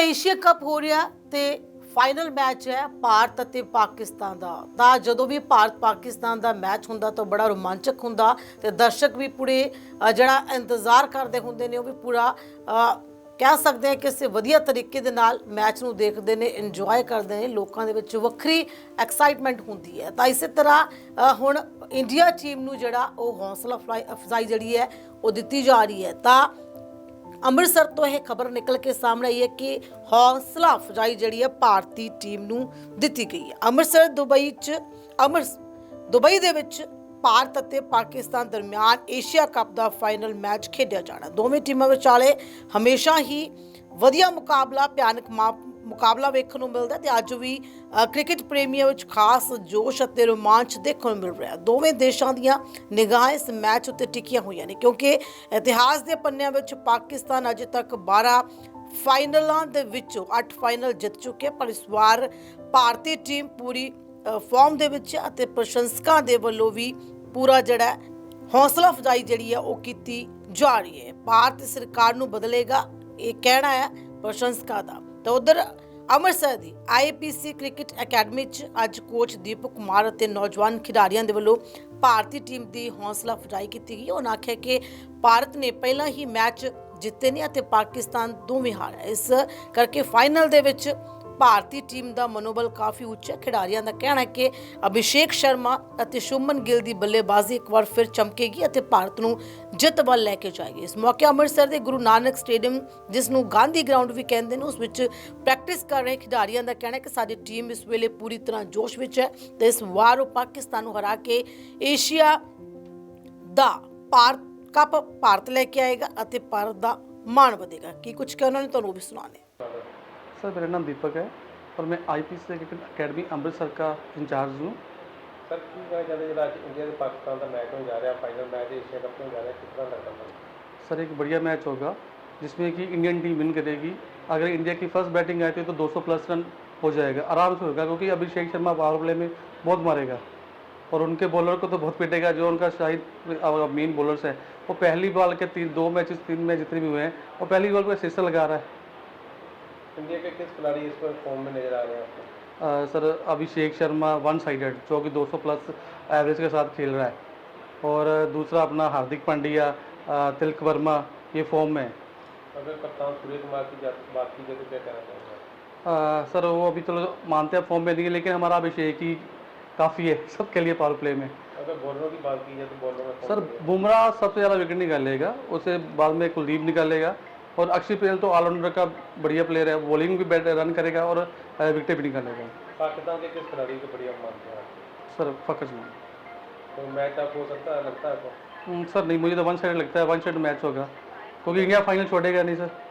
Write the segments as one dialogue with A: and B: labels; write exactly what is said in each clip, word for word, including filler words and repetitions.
A: Asia cup ਹੋ ਰਿਹਾ ਤੇ ਫਾਈਨਲ ਮੈਚ ਹੈ ਭਾਰਤ ਅਤੇ ਪਾਕਿਸਤਾਨ ਦਾ। ਤਾਂ ਜਦੋਂ ਵੀ ਭਾਰਤ ਪਾਕਿਸਤਾਨ ਦਾ ਮੈਚ ਹੁੰਦਾ ਤਾਂ ਬੜਾ ਰੋਮਾਂਚਕ ਹੁੰਦਾ ਤੇ ਦਰਸ਼ਕ ਵੀ ਪੂਰੇ ਅ, ਜਿਹੜਾ ਇੰਤਜ਼ਾਰ ਕਰਦੇ ਹੁੰਦੇ ਨੇ ਉਹ ਵੀ ਪੂਰਾ ਅ, ਕਹਿ ਸਕਦੇ ਹਾਂ ਕਿ ਕਿਸੇ ਵਧੀਆ ਤਰੀਕੇ ਦੇ ਨਾਲ ਮੈਚ ਨੂੰ ਦੇਖਦੇ ਨੇ, ਇੰਜੋਏ ਕਰਦੇ ਨੇ। ਲੋਕਾਂ ਦੇ ਵਿੱਚ ਵੱਖਰੀ ਐਕਸਾਈਟਮੈਂਟ ਹੁੰਦੀ ਹੈ। ਤਾਂ ਇਸੇ ਤਰ੍ਹਾਂ ਅ, ਹੁਣ ਇੰਡੀਆ ਟੀਮ ਨੂੰ ਜਿਹੜਾ ਉਹ ਹੌਸਲਾ ਅਫਜ਼ਾਈ ਅਫਜ਼ਾਈ ਜਿਹੜੀ ਹੈ ਉਹ ਦਿੱਤੀ ਜਾ ਰਹੀ ਹੈ। ਤਾਂ ਅੰਮ੍ਰਿਤਸਰ ਤੋਂ ਇਹ ਖਬਰ ਨਿਕਲ ਕੇ ਸਾਹਮਣੇ ਆਈ ਹੈ ਕਿ ਹੌਸਲਾ ਅਫਜ਼ਾਈ ਜਿਹੜੀ ਹੈ ਭਾਰਤੀ ਟੀਮ ਨੂੰ ਦਿੱਤੀ ਗਈ ਹੈ। ਅੰਮ੍ਰਿਤਸਰ ਦੁਬਈ 'ਚ ਅੰਮ੍ਰਿਤ ਦੁਬਈ ਦੇ ਵਿੱਚ ਭਾਰਤ ਅਤੇ ਪਾਕਿਸਤਾਨ ਦਰਮਿਆਨ ਏਸ਼ੀਆ ਕੱਪ ਦਾ ਫਾਈਨਲ ਮੈਚ ਖੇਡਿਆ ਜਾਣਾ। ਦੋਵੇਂ ਟੀਮਾਂ ਵਿਚਾਲੇ ਹਮੇਸ਼ਾ ਹੀ ਵਧੀਆ ਮੁਕਾਬਲਾ, ਭਿਆਨਕ ਮੁਕਾਬਲਾ ਵੇਖਣ ਨੂੰ ਮਿਲਦਾ ਤੇ ਅੱਜ ਵੀ ਕ੍ਰਿਕਟ ਪ੍ਰੇਮੀਆਂ ਵਿੱਚ ਖਾਸ ਜੋਸ਼ ਅਤੇ ਰੋਮਾਂਚ ਦੇਖਣ ਨੂੰ ਮਿਲ ਰਿਹਾ। ਦੋਵੇਂ ਦੇਸ਼ਾਂ ਦੀਆਂ ਨਿਗਾਹਾਂ ਇਸ ਮੈਚ ਉੱਤੇ ਟਿਕੀਆਂ ਹੋਈਆਂ ਨੇ ਕਿਉਂਕਿ ਇਤਿਹਾਸ ਦੇ ਪੰਨਿਆਂ ਵਿੱਚ ਪਾਕਿਸਤਾਨ ਅਜੇ ਤੱਕ ਬਾਰਾਂ ਫਾਈਨਲਾਂ ਦੇ ਵਿੱਚੋਂ ਅੱਠ ਫਾਈਨਲ ਜਿੱਤ ਚੁੱਕੇ, ਪਰ ਇਸ ਵਾਰ ਭਾਰਤੀ ਟੀਮ ਪੂਰੀ ਫਾਰਮ ਦੇ ਵਿੱਚ ਅਤੇ ਪ੍ਰਸ਼ੰਸਕਾਂ ਦੇ ਵੱਲੋਂ ਵੀ ਪੂਰਾ ਜਿਹੜਾ ਹੌਸਲਾ ਅਫਜ਼ਾਈ ਜਿਹੜੀ ਹੈ ਉਹ ਕੀਤੀ ਜਾ ਰਹੀ ਹੈ। ਭਾਰਤ ਸਰਕਾਰ ਨੂੰ ਬਦਲੇਗਾ, ਇਹ ਕਹਿਣਾ ਹੈ ਪ੍ਰਸ਼ੰਸਕਾਂ ਦਾ। ਤਾਂ ਉਧਰ ਅੰਮ੍ਰਿਤਸਰ ਦੀ I P C cricket academy 'ਚ ਅੱਜ ਕੋਚ ਦੀਪਕ ਕੁਮਾਰ ਅਤੇ ਨੌਜਵਾਨ ਖਿਡਾਰੀਆਂ ਦੇ ਵੱਲੋਂ ਭਾਰਤੀ ਟੀਮ ਦੀ ਹੌਸਲਾ ਅਫਜ਼ਾਈ ਕੀਤੀ ਗਈ। ਉਹਨਾਂ ਆਖਿਆ ਕਿ ਭਾਰਤ ਨੇ ਪਹਿਲਾਂ ਹੀ ਮੈਚ ਜਿੱਤੇ ਨੇ ਅਤੇ ਪਾਕਿਸਤਾਨ ਦੋਵੇਂ ਹਾਰਿਆ, ਇਸ ਕਰਕੇ ਫਾਈਨਲ ਦੇ ਵਿੱਚ ਭਾਰਤੀ ਟੀਮ ਦਾ ਮਨੋਬਲ ਕਾਫੀ ਉੱਚਾ। ਖਿਡਾਰੀਆਂ ਦਾ ਕਹਿਣਾ ਹੈ ਕਿ ਅਭਿਸ਼ੇਕ ਸ਼ਰਮਾ ਅਤੇ ਸ਼ੁਭਮਨ ਗਿੱਲ ਦੀ ਬੱਲੇਬਾਜ਼ੀ ਇੱਕ ਵਾਰ ਫਿਰ ਚਮਕੇਗੀ ਅਤੇ ਭਾਰਤ ਨੂੰ ਜਿੱਤ ਵੱਲ ਲੈ ਕੇ ਜਾਏਗੀ। ਇਸ ਮੌਕੇ ਅੰਮ੍ਰਿਤਸਰ ਦੇ ਗੁਰੂ ਨਾਨਕ ਸਟੇਡੀਅਮ, ਜਿਸ ਨੂੰ ਗਾਂਧੀ ਗਰਾਊਂਡ ਵੀ ਕਹਿੰਦੇ ਨੇ, ਉਸ ਵਿੱਚ ਪ੍ਰੈਕਟਿਸ ਕਰ ਰਹੇ ਖਿਡਾਰੀਆਂ ਦਾ ਕਹਿਣਾ ਹੈ ਕਿ ਸਾਡੀ ਟੀਮ ਇਸ ਵੇਲੇ ਪੂਰੀ ਤਰ੍ਹਾਂ ਜੋਸ਼ ਵਿੱਚ ਹੈ ਤੇ ਇਸ ਵਾਰ ਉਹ ਪਾਕਿਸਤਾਨ ਨੂੰ ਹਰਾ ਕੇ ਏਸ਼ੀਆ ਦਾ ਭਾਰਤ ਕੱਪ ਭਾਰਤ ਲੈ ਕੇ ਆਏਗਾ ਅਤੇ ਭਾਰਤ ਦਾ ਮਾਣ ਵਧੇਗਾ। ਕੀ ਕੁਝ ਕਹਿਣਾ ਨੇ ਤੁਹਾਨੂੰ ਵੀ ਸੁਣਾਣੇ।
B: सर मेरा नाम दीपक है और मैं I P C cricket academy Amritsar का इंचार्ज हूँ।
C: सर की कहना चाहते जो आज इंडिया से पाकिस्तान का मैच होने जा रहा है, फाइनल मैच एशिया कप में जा रहा है, किस तरह लगता है?
B: सर एक बढ़िया मैच होगा जिसमें कि इंडियन टीम विन करेगी। अगर इंडिया की फर्स्ट बैटिंग आई थी तो दो सौ प्लस रन हो जाएगा, आराम से होगा, क्योंकि अभिषेक शर्मा पावर प्ले में बहुत मारेगा और उनके बॉलर को तो बहुत पिटेगा। जो उनका शाहिद मेन बॉलर्स है वो पहली बॉल के तीन दो मैचेस तीन मैच जितने भी हुए हैं वो पहली बॉल पर सिक्सर लगा रहा है।
C: इंडिया के किस खिलाड़ी इस पर फॉर्म में नजर आ रहे हैं आपको?
B: आ, sir Abhishek Sharma one sided जो कि दो सौ प्लस एवरेज के साथ खेल रहा है और दूसरा अपना हार्दिक पांड्या, तिलक वर्मा ये फॉर्म में।
C: अगर कप्तान सूर्य कुमार की बात की जाए तो क्या कहना चाहेंगे?
B: आ, सर वो अभी तो मानते हैं फॉर्म में नहीं है, लेकिन हमारा अभिषेक ही काफ़ी है सबके लिए पावर प्ले में।
C: अगर बॉलरों की बात की जाए तो बॉलरों में
B: सर बुमराह सबसे ज़्यादा विकेट निकालेगा, उससे बाद में कुलदीप निकालेगा और अक्षय पटेल तो ऑलराउंडर का बढ़िया प्लेयर है, बॉलिंग भी बैट रन करेगा और विकेट भी निकालेगा।
C: पाकिस्तान के किस खिलाड़ी को बढ़िया मानते हैं
B: सर फकर जमान।
C: तो मैच आप हो सकता है, लगता है आपको?
B: सर नहीं, मुझे तो वन साइड लगता है, वन साइड मैच होगा क्योंकि इंडिया फाइनल छोड़ेगा नहीं सर।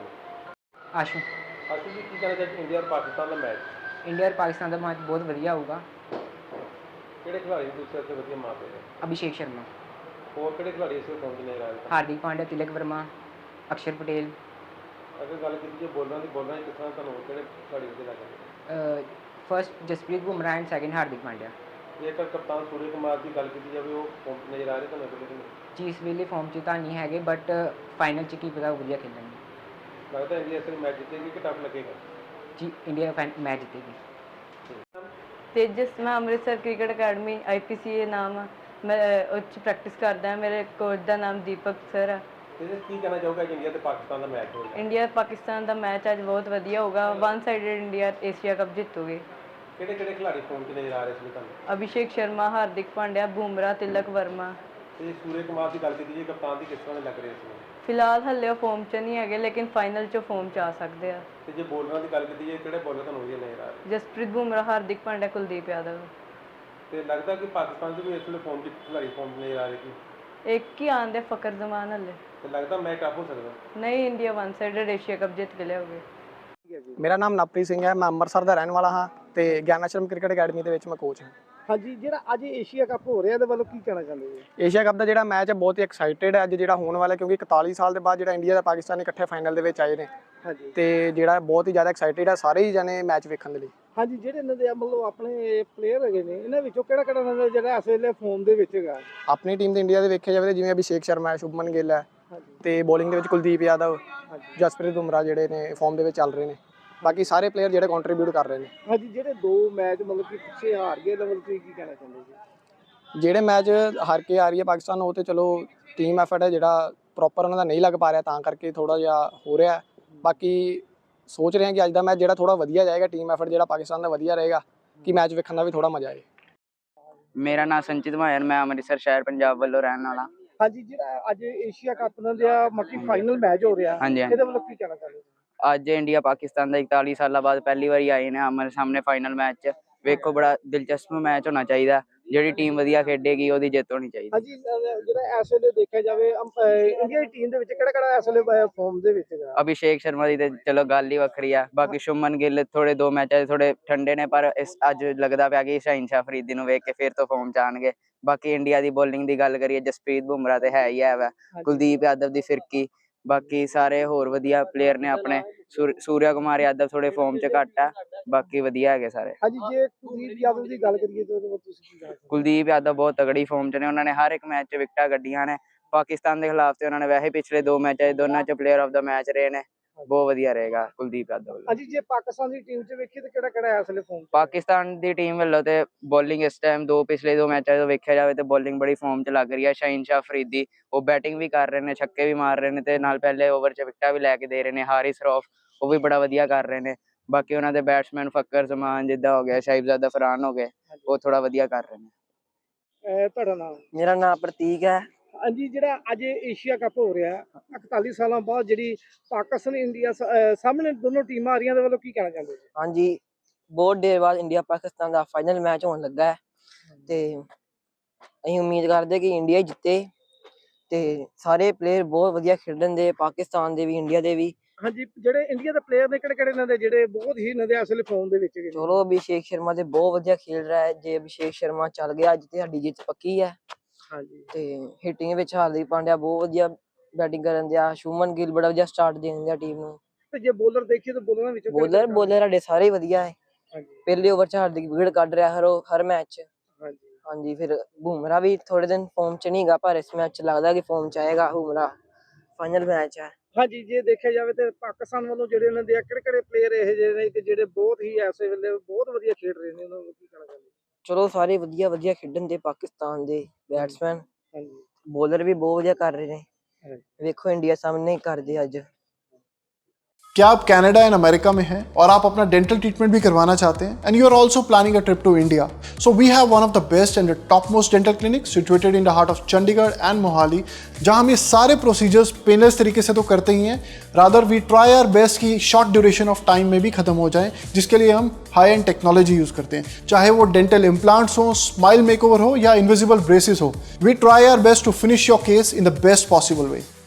D: आशु
C: आशु जी की कहना चाहते इंडिया और पाकिस्तान का मैच
D: इंडिया और पाकिस्तान का मैच बहुत बढ़िया होगा।
C: किहड़े खिलाड़ी दूसरे से बढ़िया मारते हैं?
D: अभिषेक शर्मा
C: और किहड़े खिलाड़ी इस फॉर्म में नजर आ रहे हैं?
D: हार्दिक पांड्या, तिलक वर्मा, अक्षर पटेल।
C: अगर गल की जाए बॉलरों की बॉलर किस तरह तुहानूं किहड़े खिलाड़ी अच्छे लगदे?
D: First Jasprit Bumrah and second Hardik Pandya.
C: जेकर कप्तान सूर्य कुमार की गल की जाए वो फॉर्म च नजर आ रहे तुहानूं कि नहीं?
D: जी इस वेले फॉर्म च तां नहीं है बट फाइनल च की पता वधिया खेलेंगे।
C: लगता है इंडिया से मैच जीतेगी कि टफ लगेगा?
D: जी इंडिया मैच जीतेगी।
E: तेजस मैं Amritsar cricket academy I P C नाम है, मैं उस प्रैक्टिस करदा। मेरे कोच का नाम दीपक सर है।
C: तेजस की कहना चाहोगे इंडिया ते पाकिस्तान का मैच होगा?
E: इंडिया पाकिस्तान का मैच आज बहुत वधिया होगा, one sided India Asia cup जीतूगी।
C: किहड़े किहड़े खिलाड़ी फॉर्म च नजर आ रहे इसमें तुहानूं?
E: अभिषेक शर्मा, हार्दिक पांड्या, बुमराह, तिलक वर्मा।
C: ते सूर्य कुमार की गल की जाए कप्तान की किस तरह लग रही है इसमें?
E: फिलहाल हल्ले फॉर्म च नहीं है लेकिन फाइनल च फॉर्म च आ सकते हैं।
C: ते जे बॉलरों की गल की जाए किहड़े बॉलर तुहानूं वधिया नजर आ रहे?
E: जसप्रीत बुमराह, हार्दिक पांड्या, कुलदीप यादव।
C: ते लगदा कि पाकिस्तान च भी इस वेले फॉर्म च खिलाड़ी फॉर्म च नजर आ रहे कि
E: एक ही आंदे फकर जमान हल्ले
C: ते लगदा मैच टफ हो सकदा?
E: नहीं, India one sided Asia cup जीत के लियाओगे।
F: मेरा नाम नवप्रीत सिंह है, मैं ਅੰਮ੍ਰਿਤਸਰ ਦਾ ਰਹਿਣ ਵਾਲਾ ਹਾਂ ਤੇ ਗਿਆਨ ਆਸ਼ਰਮ ਕ੍ਰਿਕਟ ਅਕੈਡਮੀ ਦੇ ਵਿੱਚ ਮੈਂ ਕੋਚ ਹਾਂ।
G: ਹਾਂਜੀ, ਜਿਹੜਾ ਅੱਜ ਏਸ਼ੀਆ ਕੱਪ ਹੋ ਰਿਹਾ ਇਹਦੇ ਵੱਲੋਂ ਕੀ ਕਹਿਣਾ ਚਾਹੁੰਦੇ ਜੀ?
F: ਏਸ਼ੀਆ ਕੱਪ ਦਾ ਜਿਹੜਾ ਮੈਚ ਹੈ ਬਹੁਤ ਹੀ ਐਕਸਾਈਟਿਡ ਹੈ ਅੱਜ ਜਿਹੜਾ ਹੋਣ ਵਾਲਾ, ਕਿਉਂਕਿ ਇਕਤਾਲੀ ਸਾਲ ਦੇ ਬਾਅਦ ਜਿਹੜਾ ਇੰਡੀਆ ਤੇ ਪਾਕਿਸਤਾਨ ਇਕੱਠੇ ਫਾਈਨਲ ਦੇ ਵਿੱਚ ਆਏ ਨੇ।
G: ਹਾਂਜੀ
F: ਤੇ ਜਿਹੜਾ ਬਹੁਤ ਹੀ ਜ਼ਿਆਦਾ ਐਕਸਾਈਟਿਡ ਹੈ ਸਾਰੇ ਹੀ ਜਣੇ ਮੈਚ ਵੇਖਣ ਦੇ ਲਈ।
G: ਹਾਂਜੀ, ਜਿਹੜੇ ਇਹਨਾਂ ਦੇ ਮਤਲਬ ਆਪਣੇ ਪਲੇਅਰ ਹੈਗੇ ਨੇ ਇਹਨਾਂ ਵਿੱਚੋਂ ਕਿਹੜਾ ਕਿਹੜਾ ਇਹਨਾਂ ਦਾ ਜਿਹੜਾ ਇਸ ਵੇਲੇ ਫਾਰਮ ਦੇ ਵਿੱਚ ਹੈਗਾ?
F: ਆਪਣੀ ਟੀਮ ਦੇ ਇੰਡੀਆ ਦੇ ਵੇਖਿਆ ਜਾਵੇ ਤਾਂ ਜਿਵੇਂ ਅਭਿਸ਼ੇਕ ਸ਼ਰਮਾ ਹੈ, ਸ਼ੁਭਮਨ ਗਿੱਲ ਹੈ, ਤੇ ਬੋਲਿੰਗ ਦੇ ਵਿੱਚ ਕੁਲਦੀਪ ਯਾਦਵ, ਜਸਪ੍ਰੀਤ ਬੁਮਰਾਹ ਜਿਹੜੇ ਨੇ ਫਾਰਮ ਦੇ ਵਿੱਚ ਚੱਲ ਰਹੇ ਨੇ। ਬਾਕੀ ਸਾਰੇ ਪਲੇਅਰ ਜਿਹੜੇ ਕੰਟਰੀਬਿਊਟ ਕਰ ਰਹੇ ਨੇ।
G: ਹਾਂਜੀ, ਜਿਹੜੇ ਦੋ ਮੈਚ ਮਤਲਬ ਕਿ ਪਿੱਛੇ ਹਾਰ ਗਏ ਲੈਵਲ ਤੇ ਕੀ ਕਹਿਣਾ ਚਾਹੁੰਦੇ ਜੀ?
F: ਜਿਹੜੇ ਮੈਚ ਹਾਰ ਕੇ ਆ ਰਹੀ ਹੈ ਪਾਕਿਸਤਾਨ, ਉਹ ਤੇ ਚਲੋ ਟੀਮ ਐਫਰਟ ਹੈ ਜਿਹੜਾ ਪ੍ਰੋਪਰ ਉਹਨਾਂ ਦਾ ਨਹੀਂ ਲੱਗ ਪਾ ਰਿਹਾ, ਤਾਂ ਕਰਕੇ ਥੋੜਾ ਜਿਹਾ ਹੋ ਰਿਹਾ। ਬਾਕੀ ਸੋਚ ਰਹੇ ਹਾਂ ਕਿ ਅੱਜ ਦਾ ਮੈਚ ਜਿਹੜਾ ਥੋੜਾ ਵਧੀਆ ਜਾਏਗਾ, ਟੀਮ ਐਫਰਟ ਜਿਹੜਾ ਪਾਕਿਸਤਾਨ ਦਾ ਵਧੀਆ ਰਹੇਗਾ, ਕਿ ਮੈਚ ਵੇਖਣ ਦਾ ਵੀ ਥੋੜਾ ਮਜ਼ਾ ਆਏ।
H: ਮੇਰਾ ਨਾਮ ਸੰਚਿਤ ਮਾਇਰ, ਮੈਂ ਅੰਮ੍ਰਿਤਸਰ ਸ਼ਹਿਰ ਪੰਜਾਬ ਵੱਲੋਂ ਰਹਿਣ ਵਾਲਾ।
G: ਹਾਂਜੀ, ਜਿਹੜਾ ਅੱਜ ਏਸ਼ੀਆ ਕੱਪ ਦਾ ਮੱਕੀ ਫਾਈਨਲ ਮੈਚ ਹੋ ਰਿਹਾ,
H: ਹਾਂਜੀ,
G: ਇਹਦੇ ਵੱਲੋਂ ਕੀ ਕਹਿਣਾ ਚਾਹੁੰਦੇ?
H: ਅੱਜ ਇੰਡੀਆ ਪਾਕਿਸਤਾਨ ਦਾ ਇਕਤਾਲੀ ਸਾਲਾਂ ਬਾਅਦ ਪਹਿਲੀ ਵਾਰੀ ਆਏ ਨੇ ਆਮਣੇ ਸਾਹਮਣੇ ਫਾਈਨਲ ਮੈਚ 'ਚ। ਵੇਖੋ, ਬੜਾ ਦਿਲਚਸਪ ਮੈਚ ਹੋਣਾ ਚਾਹੀਦਾ। ਜਿਹੜੀ ਟੀਮ ਵਧੀਆ ਖੇਡੇਗੀ ਉਹਦੀ ਜਿੱਤ ਹੋਣੀ ਚਾਹੀਦੀ।
G: ਹਾਂਜੀ, ਜਿਹੜਾ ਇਸ ਵੇਲੇ ਦੇਖਿਆ ਜਾਵੇ ਇੰਡੀਆ ਦੀ ਟੀਮ ਦੇ ਵਿੱਚ ਕਿਹੜਾ ਕਿਹੜਾ ਇਸ ਵੇਲੇ ਫਾਰਮ ਦੇ ਵਿੱਚ ਹੈਗਾ?
H: ਅਭਿਸ਼ੇਕ ਸ਼ਰਮਾ ਦੀ ਤੇ ਚਲੋ ਗੱਲ ਹੀ ਵੱਖਰੀ ਆ। ਬਾਕੀ ਸ਼ੁਮਨ ਗਿੱਲ ਥੋੜੇ ਦੋ ਮੈਚਾਂ 'ਚ ਥੋੜੇ ਠੰਡੇ ਨੇ, ਪਰ ਇਸ ਅੱਜ ਲੱਗਦਾ ਪਿਆ ਕਿ ਸ਼ਾਹੀਨ ਸ਼ਾਹ ਫਰੀਦੀ ਨੂੰ ਵੇਖ ਕੇ ਫਿਰ ਤੋਂ ਫਾਰਮ 'ਚ ਆਉਣਗੇ। ਬਾਕੀ ਇੰਡੀਆ ਦੀ ਬੋਲਿੰਗ ਦੀ ਗੱਲ ਕਰੀਏ, ਜਸਪ੍ਰੀਤ ਬੁਮਰਾਹ ਤੇ ਹੈ ਹੀ ਹੈ ਵਾ, ਕੁਲਦੀਪ ਯਾਦਵ ਦੀ ਫਿਰਕੀ, ਬਾਕੀ ਸਾਰੇ ਹੋਰ ਵਧੀਆ ਪਲੇਅਰ ਨੇ ਆਪਣੇ। ਸੂਰਿਆ ਕੁਮਾਰ ਯਾਦਵ ਥੋੜੇ ਫਾਰਮ 'ਚ ਘੱਟ ਆ, ਬਾਕੀ ਵਧੀਆ ਹੈਗੇ ਸਾਰੇ।
G: ਹਾਂਜੀ, ਜੇ ਕੁਲਦੀਪ ਯਾਦਵ ਦੀ ਗੱਲ ਕਰੀਏ ਤਾਂ ਤੁਸੀਂ ਕੀ ਕਹਿਣਾ?
H: ਕੁਲਦੀਪ ਯਾਦਵ ਬਹੁਤ ਤਗੜੀ ਫਾਰਮ 'ਚ ਨੇ, ਉਹਨਾਂ ਨੇ ਹਰ ਇੱਕ ਮੈਚ 'ਚ ਵਿਕਟਾਂ ਕੱਢੀਆਂ ਨੇ। ਪਾਕਿਸਤਾਨ ਦੇ ਖਿਲਾਫ ਤੇ ਉਹਨਾਂ ਨੇ ਵੈਸੇ ਪਿਛਲੇ ਦੋ ਮੈਚਾਂ 'ਚ ਦੋਨਾਂ 'ਚ ਪਲੇਅਰ ਆਫ ਦਾ ਮੈਚ ਰਹੇ ਨੇ। ਬਹੁਤ ਵਧੀਆ ਰਹੇਗਾ ਕੁਲਦੀਪ ਯਾਦਵ ਵੱਲੋਂ।
G: ਹਾਂਜੀ, ਜੇ ਪਾਕਿਸਤਾਨ ਦੀ ਟੀਮ 'ਚ ਵੇਖੀਏ ਤਾਂ ਕਿਹੜਾ ਕਿਹੜਾ ਇਸ ਵੇਲੇ ਫਾਰਮ?
H: ਪਾਕਿਸਤਾਨ ਦੀ ਟੀਮ ਵੱਲੋਂ ਤੇ ਬੋਲਿੰਗ ਇਸ ਟਾਈਮ ਦੋ ਪਿਛਲੇ ਦੋ ਮੈਚਾਂ 'ਚ ਵੇਖਿਆ ਜਾਵੇ ਤੇ ਬੋਲਿੰਗ ਬੜੀ ਫਾਰਮ 'ਚ ਲੱਗ ਰਹੀ ਹੈ। ਸ਼ਾਹੀਨ ਸ਼ਾਹ ਫਰੀਦੀ ਉਹ ਬੈਟਿੰਗ ਵੀ ਕਰ ਰਹੇ ਨੇ, ਛੱਕੇ ਵੀ ਮਾਰ ਰਹੇ ਨੇ, ਤੇ ਨਾਲ ਪਹਿਲੇ ਓਵਰ 'ਚ ਵਿਕਟਾਂ ਵੀ ਲੈ ਕੇ ਦੇ ਰਹੇ ਨੇ। ਹਾਰਿਸ ਰੌਫ ਉਹ ਵੀ ਬੜਾ ਵਧੀਆ ਕਰ ਰਹੇ ਨੇ। ਬਾਕੀ ਉਹਨਾਂ ਦੇ ਬੈਟਸਮੈਨ ਫੱਕਰ ਜ਼ਮਾਨ ਜਿੱਦਾਂ ਹੋ ਗਿਆ, ਸਾਹਿਬਜ਼ਾਦਾ ਫਰਹਾਨ ਹੋ ਗਏ, ਉਹ ਥੋੜਾ ਵਧੀਆ ਕਰ ਰਹੇ ਨੇ।
G: ਤੁਹਾਡਾ ਨਾਮ?
I: ਮੇਰਾ ਨਾਮ ਪ੍ਰਤੀਕ ਹੈ।
G: ਹਾਂਜੀ, ਜਿਹੜਾ ਅੱਜ ਏਸ਼ੀਆ ਕੱਪ ਹੋ ਰਿਹਾ ਇਕਤਾਲੀ ਸਾਲਾਂ ਬਾਅਦ, ਜਿਹੜੀ ਪਾਕਿਸਤਾਨ ਇੰਡੀਆ ਸਾਹਮਣੇ ਦੋਨੋਂ ਟੀਮਾਂ ਆ ਰਹੀਆਂ, ਦੇ ਵੱਲੋਂ ਕੀ ਕਹਿਣਾ ਚਾਹੁੰਦੇ ਜੀ?
I: ਹਾਂਜੀ, ਬਹੁਤ ਦੇਰ ਬਾਅਦ ਇੰਡੀਆ ਪਾਕਿਸਤਾਨ ਦਾ ਫਾਈਨਲ ਮੈਚ ਹੋਣ ਲੱਗਾ ਹੈ ਤੇ ਅਸੀਂ ਉਮੀਦ ਕਰਦੇ ਕਿ ਇੰਡੀਆ ਹੀ ਜਿੱਤੇ। ਤੇ ਸਾਰੇ ਪਲੇਅਰ ਬਹੁਤ ਵਧੀਆ ਖੇਡਣ ਦੇ, ਪਾਕਿਸਤਾਨ ਦੇ ਵੀ ਇੰਡੀਆ ਦੇ ਵੀ।
G: ਹਾਂਜੀ, ਜਿਹੜੇ ਇੰਡੀਆ ਦੇ ਪਲੇਅਰ ਨੇ ਕਿਹੜੇ ਕਿਹੜੇ ਇਹਨਾਂ ਦੇ ਜਿਹੜੇ ਬਹੁਤ ਹੀ ਇਹਨਾਂ ਦੇ ਅਸਲ ਫਾਰਮ ਦੇ ਵਿੱਚ?
I: ਚਲੋ, ਅਭਿਸ਼ੇਕ ਸ਼ਰਮਾ ਤੇ ਬਹੁਤ ਵਧੀਆ ਖੇਡ ਰਿਹਾ ਹੈ। ਜੇ ਅਭਿਸ਼ੇਕ ਸ਼ਰਮਾ ਚੱਲ ਗਿਆ ਅੱਜ ਤੇ ਸਾਡੀ ਜਿੱਤ ਪੱਕੀ ਹੈ।
G: ਹਾਂਜੀ,
I: ਤੇ ਹਿੱਟਿੰਗ ਵਿੱਚ ਹਾਰਦਿਕ ਪਾਂਡਿਆ ਬਹੁਤ ਵਧੀਆ ਬੈਟਿੰਗ ਕਰਨ ਦਿਆ। ਸ਼ੁਮਨ ਗਿੱਲ ਬੜਾ ਵਧੀਆ ਸਟਾਰਟ ਦੇਣ ਦਿਆ ਟੀਮ ਨੂੰ।
G: ਤੇ ਜੇ ਬੋਲਰ ਦੇਖੀਏ ਤਾਂ ਬੋਲਰਾਂ ਵਿੱਚ
I: ਬੋਲਰ ਬੋਲਰ ਸਾਡੇ ਸਾਰੇ ਵਧੀਆ ਹੈ।
G: ਹਾਂਜੀ,
I: ਪਹਿਲੇ ਓਵਰ ਚ ਹਾਰਦਿਕ ਵਿਕਟ ਕੱਢ ਰਿਹਾ ਹਰ ਹਰ ਮੈਚ।
G: ਹਾਂਜੀ,
I: ਹਾਂਜੀ, ਫਿਰ ਬੁਮਰਾਹ ਵੀ ਥੋੜੇ ਦਿਨ ਫਾਰਮ ਚ ਨਹੀਂ ਗਾ, ਪਰ ਇਸ ਮੈਚ ਚ ਲੱਗਦਾ ਕਿ ਫਾਰਮ ਚ ਆਏਗਾ ਬੁਮਰਾਹ। ਫਾਈਨਲ ਮੈਚ ਹੈ।
G: ਹਾਂਜੀ, ਜੇ ਦੇਖਿਆ ਜਾਵੇ ਤੇ ਪਾਕਿਸਤਾਨ ਵੱਲੋਂ ਜਿਹੜੇ ਉਹਨਾਂ ਦੇ ਕਿਹੜੇ ਕਿਹੜੇ ਪਲੇਅਰ ਇਹ ਜਿਹੇ ਨੇ ਕਿ ਜਿਹੜੇ ਬਹੁਤ ਹੀ ਐਸੇ ਵੇਲੇ ਬਹੁਤ ਵਧੀਆ ਖੇਡ ਰਹੇ ਨੇ, ਉਹਨਾਂ ਨੂੰ ਕੀ ਕਹਿਣਾ ਚਾਹੁੰਦੇ?
I: ਚਲੋ, ਸਾਰੇ ਵਧੀਆ ਵਧੀਆ ਖੇਡਣ ਦੇ ਪਾਕਿਸਤਾਨ ਦੇ ਬੈਟਸਮੈਨ।
G: ਹਾਂਜੀ,
I: ਬੋਲਰ ਵੀ ਬਹੁਤ ਵਧੀਆ ਕਰ ਰਹੇ ਨੇ। ਵੇਖੋ ਇੰਡੀਆ ਸਾਹਮਣੇ ਕਰਦੇ ਅੱਜ।
J: क्या आप कनाडा एंड अमेरिका में हैं और आप अपना डेंटल ट्रीटमेंट भी करवाना चाहते हैं and you are also planning a trip to India? So we have one of the best and the top most dental clinic situated in the heart of Chandigarh and Mohali, जहां हम ये सारे प्रोसीजर्स पेनलेस तरीके से तो करते ही हैं, rather we try our best कि शॉर्ट ड्यूरेशन ऑफ टाइम में भी खत्म हो जाए, जिसके लिए हम हाई एंड टेक्नोलॉजी यूज़ करते हैं। चाहे वो डेंटल इम्प्लांट्स हो, स्माइल मेकओवर हो या इनविजिबल ब्रेसेस हो, we try our best to finish your case in the best possible way.